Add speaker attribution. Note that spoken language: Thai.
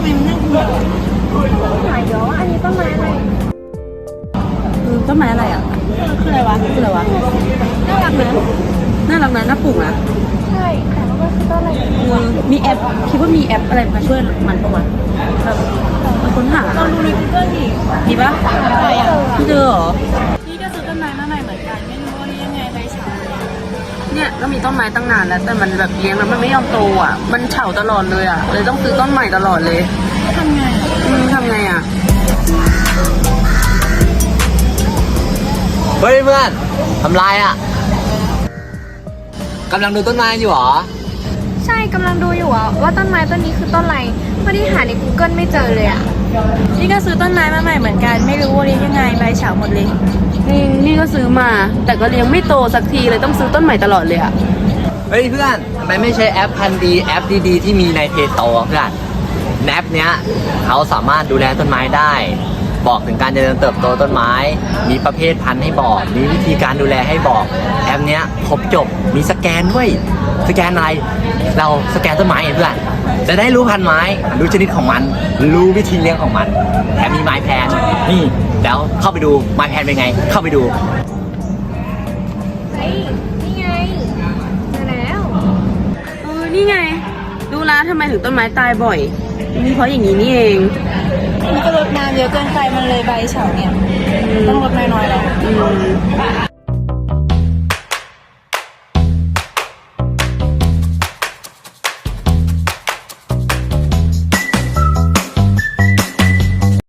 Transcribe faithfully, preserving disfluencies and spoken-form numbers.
Speaker 1: ไมมันน่ากลัว
Speaker 2: หายเยอะอันนี้ต้นไม้อะไร
Speaker 1: คือต้นไม้อะไรอ่ะคืออะไรวะคืออะไรวะ
Speaker 2: น่ารักนะ
Speaker 1: น่ารักนะน่าปลูกนะ
Speaker 2: ใช่แต่ว่ามันคือต้นอะไร
Speaker 1: เออมีแอปคิดว่ามีแอปอะไรมาช่วยมันปะวะแบบมาค้นหา
Speaker 2: ลองดูใน Google ดิ
Speaker 1: ดีปะ
Speaker 2: อะไรอ่ะ
Speaker 1: ไม่เจอเหรอ
Speaker 2: นี่ก็ซื้อต้นไม้มาใหม่เหมือนกันไม่รู้ว่านี่ยังไงใบเฉา
Speaker 1: เนี่ยก็มีต้นไม้ตั้งนานแล้วแต่มันแบบเลี้ยงแล้วมันไม่ยอมโตอ่ะมันเฉาตลอดเลยอ่ะเลยต้องซื้อต้นใหม่ตลอดเลย
Speaker 2: ทำไง
Speaker 1: อืมทำไงอ่ะ
Speaker 3: เฮ้ยเพื่อนทำไรอ่ะกำลังดูต้นไม้อยู่หรอ
Speaker 2: ใช่กำลังดูอยู่อ่ะว่าต้นไม้ต้นนี้คือต้นอะไรพอดีหาใน Google ไม่เจอเลยอ่ะ
Speaker 1: นี่ก็ซื้อต้นไม้มาใหม่เหมือนกันไม่รู้ว่าเลี้ยงยังไงใบเฉาหมดเลยนี่นี่ก็ซื้อมา แต่ก็เลี้ยงไม่โตสักทีเลยต้องซื้อต้นใหม่ตลอดเลยอ่ะ
Speaker 3: เฮ้ยเพื่อนทำไมไม่ใช้แอปพันธุ์ดีแอปดีๆที่มีในเพจโตเพื่อนแอปเนี้ยเขาสามารถดูแลต้นไม้ได้ บอกถึงการเจริญเติบโตต้นไม้ มีประเภทพันธุ์ให้บอก มีวิธีการดูแลให้บอกแอปเนี้ยครบจบมีสแกนด้วยสแกนอะไรเราสแกนต้นไม้ไงเพื่อนจะได้รู้พันธุ์ไม้รู้ชนิดของมัน รู้วิธีเลี้ยงของมันแถมมีไม้แพนนี่แล้วเข้าไปดูไม้แพนเป็นไง เข้าไปดู
Speaker 2: เฮ้ยนี่ไงมาแล้ว
Speaker 1: เออนี่ไงรู้แล้วทำไมถึงต้นไม้ตายบ่อยนี่เพราะอย่างนี้นี่เอง
Speaker 2: มันก็รดน้ำเยอะเกินไปมันเลยใบเฉาเนี่ยต้องรดน้อยๆแล้ว
Speaker 1: อืม